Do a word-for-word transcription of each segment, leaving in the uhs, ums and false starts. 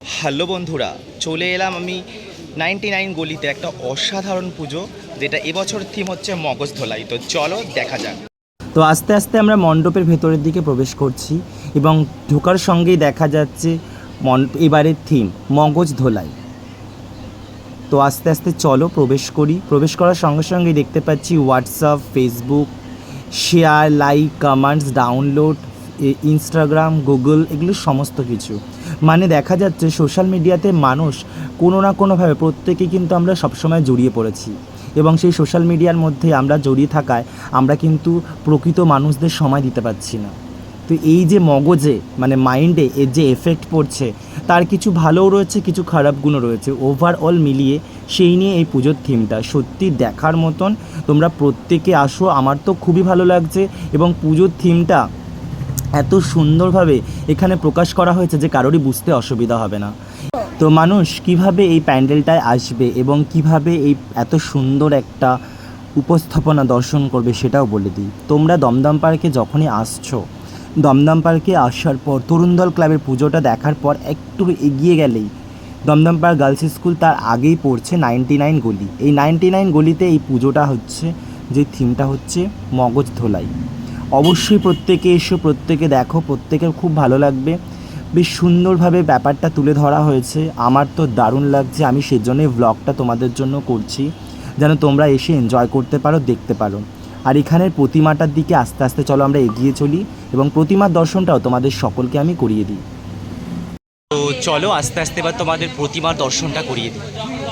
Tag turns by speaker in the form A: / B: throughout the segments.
A: Hello বন্ধুরা, চলে এলাম আমি নাইনটি নাইন গলিতে একটা অসাধারণ পুজো, যেটা এবছর থিম হচ্ছে মগজ ধোলাই। তো চলো দেখা যাক। তো আস্তে আস্তে আমরা মণ্ডপের ভেতরের দিকে প্রবেশ করছি এবং ঢোকার সঙ্গেই দেখা যাচ্ছে এবারের থিম মগজ ধোলাই। তো আস্তে আস্তে চলো প্রবেশ করি। প্রবেশ করার সঙ্গে সঙ্গেই দেখতে পাচ্ছি WhatsApp, Facebook, share, like, comments, download, Instagram, Google, এগুলো সমস্ত কিছু। মানে দেখা যাচ্ছে সোশ্যাল মিডিয়াতে মানুষ কোনো না কোনোভাবে প্রত্যেকে কিন্তু আমরা সবসময় জড়িয়ে পড়েছি এবং সেই সোশ্যাল মিডিয়ার মধ্যে আমরা জড়িয়ে থাকায় আমরা কিন্তু প্রকৃত মানুষদের সময় দিতে পারছি না। তো এই যে মগজে মানে মাইন্ডে এর যে এফেক্ট পড়ছে তার কিছু ভালোও রয়েছে, কিছু খারাপ গুণও রয়েছে। ওভারঅল মিলিয়ে সেই নিয়ে এই পুজোর থিমটা সত্যি দেখার মতন। তোমরা প্রত্যেকে আসো, আমার তো খুবই ভালো লাগছে এবং পুজোর থিমটা এত সুন্দরভাবে এখানে প্রকাশ করা হয়েছে যে কারোরই বুঝতে অসুবিধা হবে না। তো মানুষ কিভাবে এই প্যান্ডেলটায় আসবে এবং কিভাবে এই এত সুন্দর একটা উপস্থাপনা দর্শন করবে সেটাও বলে দিই। তোমরা দমদম পার্কে যখনই আসছো, দমদম পার্কে আসার পর তরুণদল ক্লাবের পুজোটা দেখার পর একটু এগিয়ে গেলেই দমদম পার্ক গার্লস স্কুল, তার আগেই পড়ছে নাইনটি নাইন গলি। এই নাইনটি নাইন গলিতে এই পুজোটা হচ্ছে, যে থিমটা হচ্ছে মগজ ধোলাই। অবশ্যই প্রত্যেকে এসো, প্রত্যেকে দেখো, প্রত্যেকের খুব ভালো লাগবে। বেশ সুন্দরভাবে ব্যাপারটা তুলে ধরা হয়েছে, আমার তো দারুণ লাগছে। আমি সেজন্যই ব্লগটা তোমাদের জন্য করছি, যেন তোমরা এসে এনজয় করতে পারো, দেখতে পারো। আর এখানের প্রতিমাটার দিকে আস্তে আস্তে চলো আমরা এগিয়ে চলি এবং প্রতিমার দর্শনটাও তোমাদের সকলকে আমি করিয়ে দিই। তো চলো আস্তে আস্তে এবার তোমাদের প্রতিমার দর্শনটা করিয়ে দিই।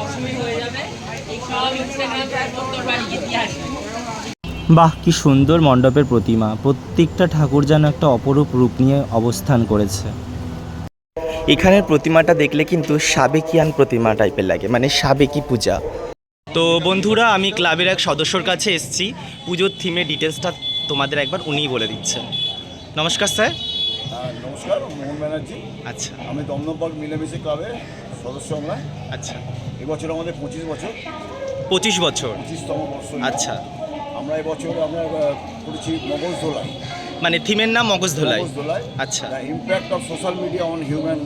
A: বাহ, কি সুন্দর মণ্ডপের প্রতিমা! প্রত্যেকটা ঠাকুর যেন একটা অপরূপ রূপ নিয়ে অবস্থান করেছে। এখানের প্রতিমাটা দেখলে কিন্তু সাবেকিয়ান প্রতিমা টাইপের লাগে, মানে সাবেকি পূজা। তো বন্ধুরা, আমি ক্লাবের এক সদস্যর কাছে এসেছি, পুজোর থিমের ডিটেলসটা তোমাদের একবার উনিই বলে দিচ্ছেন। নমস্কার স্যার।
B: নমস্কার, মোহন ব্যানার্জি।
A: আচ্ছা,
B: আমি দমদম পার্ক মিলেমিশে ক্লাবের সদস্য আমরা।
A: আচ্ছা,
B: এবছর আমাদের পঁচিশ বছর
A: পঁচিশ বছর
B: পঁচিশতম বর্ষ।
A: আচ্ছা,
B: আমরা এবছর আমরা করেছি মগজ ধোলাই,
A: মানে থিমের নাম মগজ ধোলাই।
B: মগজ ধোলাই।
A: আচ্ছা,
B: the impact of social media on human.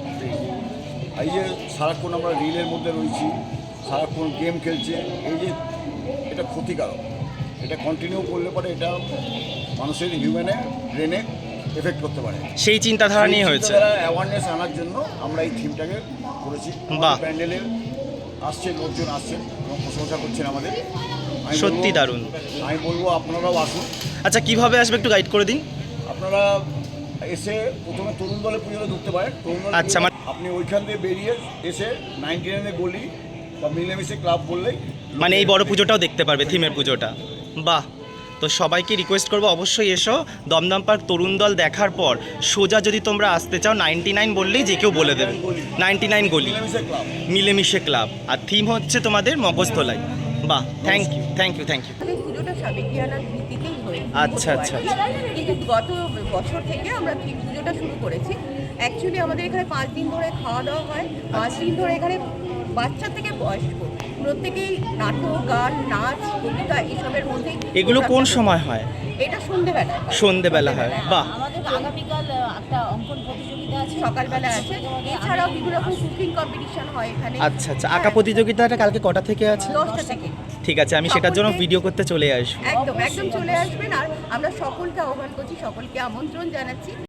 B: এই যে সারাক্ষণ আমরা রিলের মধ্যে রয়েছি, সারাক্ষণ গেম খেলছে, এই যে এটা ক্ষতিকারক। এটা কন্টিনিউ করলে পরে এটা মানুষের হিউম্যানে ব্রেনে এফেক্ট করতে পারে।
A: সেই চিন্তাধারা নিয়ে হয়েছে।
B: অ্যাওয়ারনেস আনার জন্য আমরা এই থিমটাকে করেছি।
A: বাহ,
B: প্যান্ডেলে আসছে লোকজন, আসছেন এবং প্রশংসা করছেন আমাদের।
A: সত্যি দারুণ।
B: আমি বলবো আপনারাও আসুন।
A: আচ্ছা, কিভাবে আসবে একটু গাইড করে দিন।
B: আপনারা এসে প্রথমে তরুণ দলে পুজোতে ঢুকতে পারেন। তরুণ দলে
A: আচ্ছা,
B: আপনি ওইখান দিয়ে বেরিয়ে এসে নাইনটি নাইনে গলি বা মিলেমিশে ক্লাব বললেই
A: মানে এই বড় পুজোটাও দেখতে পারবে, থিমের পুজোটা। বাহ, তো সবাইকে রিকোয়েস্ট করবো অবশ্যই এসো। দমদম পার্ক তরুণ দল দেখার পর সোজা যদি তোমরা আসতে চাও নাইনটি নাইন বললেই যে কেউ বলে দেবে নাইনটি নাইন গলি
B: মিলেমিশে ক্লাব,
A: মিলেমিশে ক্লাব। আর থিম হচ্ছে তোমাদের মগজ ধোলাই। বাহ, thank you, thank you, thank you.
C: পুজোটা সাবেকিয়ানার ভিত্তিতেই হয়েছে।
A: আচ্ছা, আচ্ছা,
C: কিন্তু গত বছর থেকে আমরা ঠিক পুজোটা শুরু করেছি। অ্যাকচুয়ালি আমাদের এখানে পাঁচ দিন ধরে খাওয়া দাওয়া হয়। পাঁচ দিন ধরে এখানে বাচ্চা থেকে বয়স্ক প্রত্যেকেই নাটক, গান, নাচ, কবিতা এসবের মধ্যে।
A: এগুলো কোন সময় হয়?
C: এটা সন্ধেবেলা
A: সন্ধেবেলা হয়। বাহ,
D: আমাদের আগামীকাল একটা অঙ্কন প্রতিযোগিতা আছে,
C: সকালবেলা আছে। এছাড়াও বিভিন্ন রকম কুকিং কম্পিটিশন হয় এখানে।
A: আচ্ছা, আচ্ছা। আঁকা প্রতিযোগিতাটা কালকে কটা থেকে আছে?
C: দশটা থেকে।
A: ঠিক আছে, আমি সেটার জন্য ভিডিও করতে চলে আসবো।
C: একদম একদম চলে আসবেন। আর আমরা সকলকে আহ্বান করছি, সকলকে আমন্ত্রণ জানাচ্ছি।